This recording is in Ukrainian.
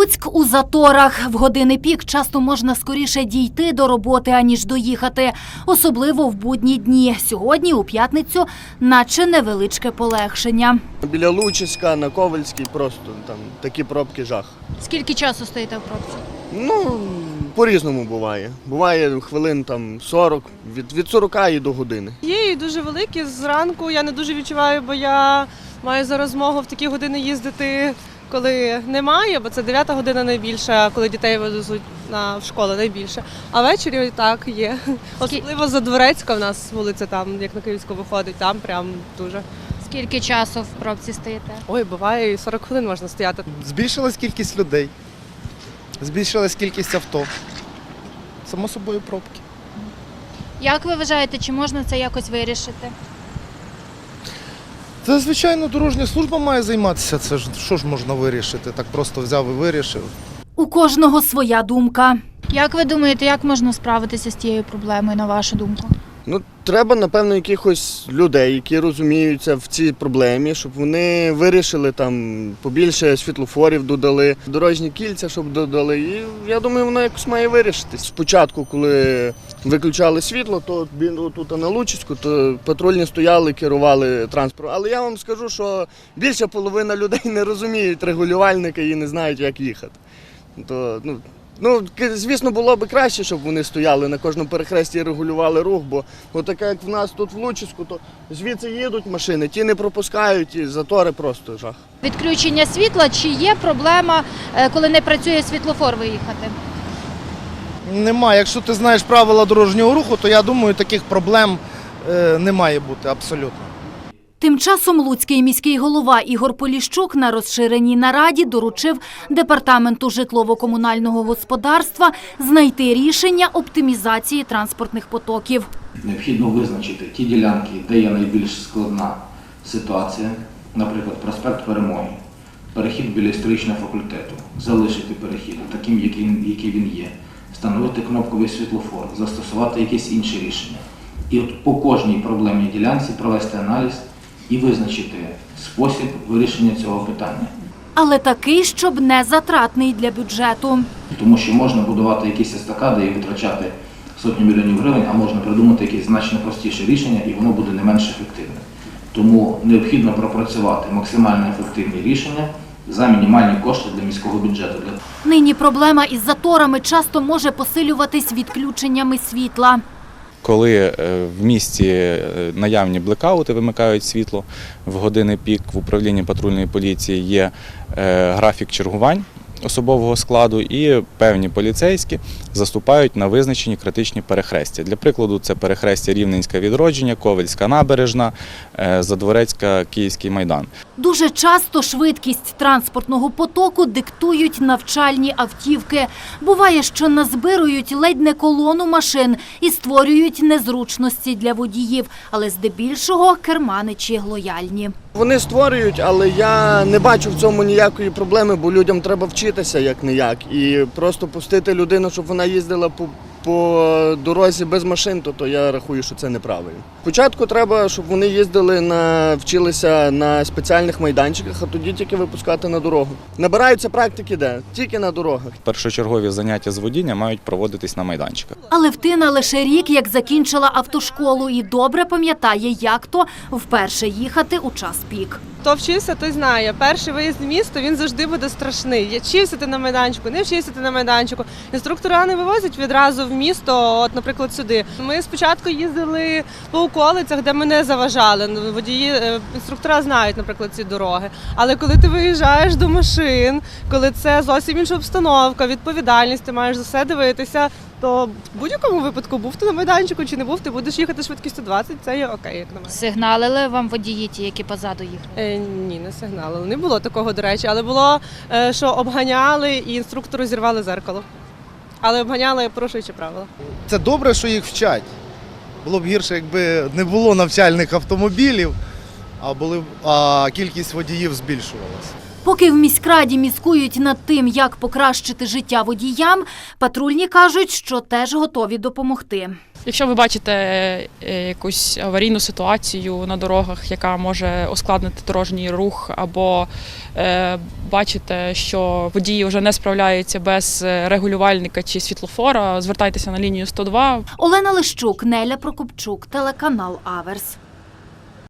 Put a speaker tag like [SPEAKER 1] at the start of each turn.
[SPEAKER 1] Луцьк у заторах. В години пік часто можна скоріше дійти до роботи, аніж доїхати. Особливо в будні дні. Сьогодні, у п'ятницю, наче невеличке полегшення.
[SPEAKER 2] Біля Лучиська, на Ковальській просто там такі пробки жах.
[SPEAKER 1] Скільки часу стоїте в пробці?
[SPEAKER 2] Ну, по-різному буває. Буває хвилин там 40, від 40 і до години.
[SPEAKER 3] Є і дуже великі. Зранку я не дуже відчуваю, бо я маю зараз змогу в такі години їздити, коли немає, бо це 9 година найбільша, коли дітей везуть в школу найбільше. А ввечері так є. Особливо Задворецька в нас вулиця там, як на Київську виходить, там прям дуже.
[SPEAKER 1] Скільки часу в пробці стоїте?
[SPEAKER 3] Ой, буває, і 40 хвилин можна стояти.
[SPEAKER 4] Збільшилась кількість людей, збільшилась кількість авто. Само собою пробки.
[SPEAKER 1] Як ви вважаєте, чи можна це якось вирішити?
[SPEAKER 4] Це, звичайно, дорожня служба має займатися. Це ж що ж можна вирішити? Так просто взяв і вирішив.
[SPEAKER 1] У кожного своя думка. Як ви думаєте, як можна справитися з цією проблемою, на вашу думку?
[SPEAKER 2] Ну, треба, напевно, якихось людей, які розуміються в цій проблемі, щоб вони вирішили там побільше світлофорів додали, дорожні кільця, щоб додали. І я думаю, воно якось має вирішитись. Спочатку, коли виключали світло, то тут на Лучиську, то патрульні стояли, керували транспортом. Але я вам скажу, що більша половина людей не розуміють регулювальника і не знають, як їхати. Ну, звісно, було б краще, щоб вони стояли на кожному перехресті і регулювали рух, бо отаке, як в нас тут в Лучиську, то звідси їдуть машини, ті не пропускають, і затори просто жах.
[SPEAKER 1] Відключення світла, чи є проблема, коли не працює світлофор, виїхати?
[SPEAKER 4] Нема. Якщо ти знаєш правила дорожнього руху, то я думаю, таких проблем не має бути абсолютно.
[SPEAKER 1] Тим часом луцький міський голова Ігор Поліщук на розширеній нараді доручив Департаменту житлово-комунального господарства знайти рішення оптимізації транспортних потоків.
[SPEAKER 5] Необхідно визначити ті ділянки, де є найбільш складна ситуація, наприклад, проспект Перемоги, перехід біля історичного факультету, залишити перехід таким, який він є, встановити кнопковий світлофор, застосувати якесь інше рішення. І от по кожній проблемній ділянці провести аналіз і визначити спосіб вирішення цього питання.
[SPEAKER 1] Але такий, щоб не затратний для бюджету.
[SPEAKER 5] Тому що можна будувати якісь естакади і витрачати сотні мільйонів гривень, а можна придумати якесь значно простіше рішення, і воно буде не менш ефективне. Тому необхідно пропрацювати максимально ефективні рішення за мінімальні кошти для міського бюджету.
[SPEAKER 1] Нині проблема із заторами часто може посилюватись відключеннями світла.
[SPEAKER 6] Коли в місті наявні блекаути, вимикають світло, в години пік в управлінні патрульної поліції є графік чергувань особового складу і певні поліцейські заступають на визначені критичні перехрестя. Для прикладу, це перехрестя Рівненська Відродження, Ковальська Набережна, Задворецька, Київський Майдан.
[SPEAKER 1] Дуже часто швидкість транспортного потоку диктують навчальні автівки. Буває, що назбирують ледь не колону машин і створюють незручності для водіїв, але здебільшого керманичі лояльні.
[SPEAKER 2] Вони створюють, але я не бачу в цьому ніякої проблеми, бо людям треба вчитися як-не-як. І просто пустити людину, щоб вона їздила по дорозі без машин, то я рахую, що це неправильно. Спочатку треба, щоб вони їздили, вчилися на спеціальних майданчиках, а тоді тільки випускати на дорогу. Набираються практики де? Тільки на дорогах.
[SPEAKER 6] Першочергові заняття з водіння мають проводитись на майданчиках.
[SPEAKER 1] Але Втина лише рік, як закінчила автошколу, і добре пам'ятає, як то вперше їхати у час пік.
[SPEAKER 3] Хто вчився, той знає. Перший виїзд в місто, він завжди буде страшний. Вчився ти на майданчику, не вчився ти на майданчику. Інструктора не вивозять відразу в місто, от, наприклад, сюди. Ми спочатку їздили по околицях, де ми не заважали. Водії, інструктора знають, наприклад, ці дороги. Але коли ти виїжджаєш до машин, коли це зовсім інша обстановка, відповідальність, ти маєш за все дивитися, то в будь-якому випадку, був ти на майданчику чи не був, ти будеш їхати швидкістю 20, це є окей, як на мене.
[SPEAKER 1] Сигналили вам водії ті, які позаду їхали?
[SPEAKER 3] Ні, не сигналили. Не було такого, до речі, але було, що обганяли і інструктору зірвали зеркало. Але обганяли, порушуючи правила.
[SPEAKER 4] Це добре, що їх вчать. Було б гірше, якби не було навчальних автомобілів, а кількість водіїв збільшувалася.
[SPEAKER 1] Поки в міськраді міскують над тим, як покращити життя водіям, патрульні кажуть, що теж готові допомогти.
[SPEAKER 7] Якщо ви бачите якусь аварійну ситуацію на дорогах, яка може ускладнити дорожній рух, або бачите, що водії вже не справляються без регулювальника чи світлофора, звертайтеся на лінію 102.
[SPEAKER 1] Олена Лищук, Неля Прокопчук, телеканал Аверс.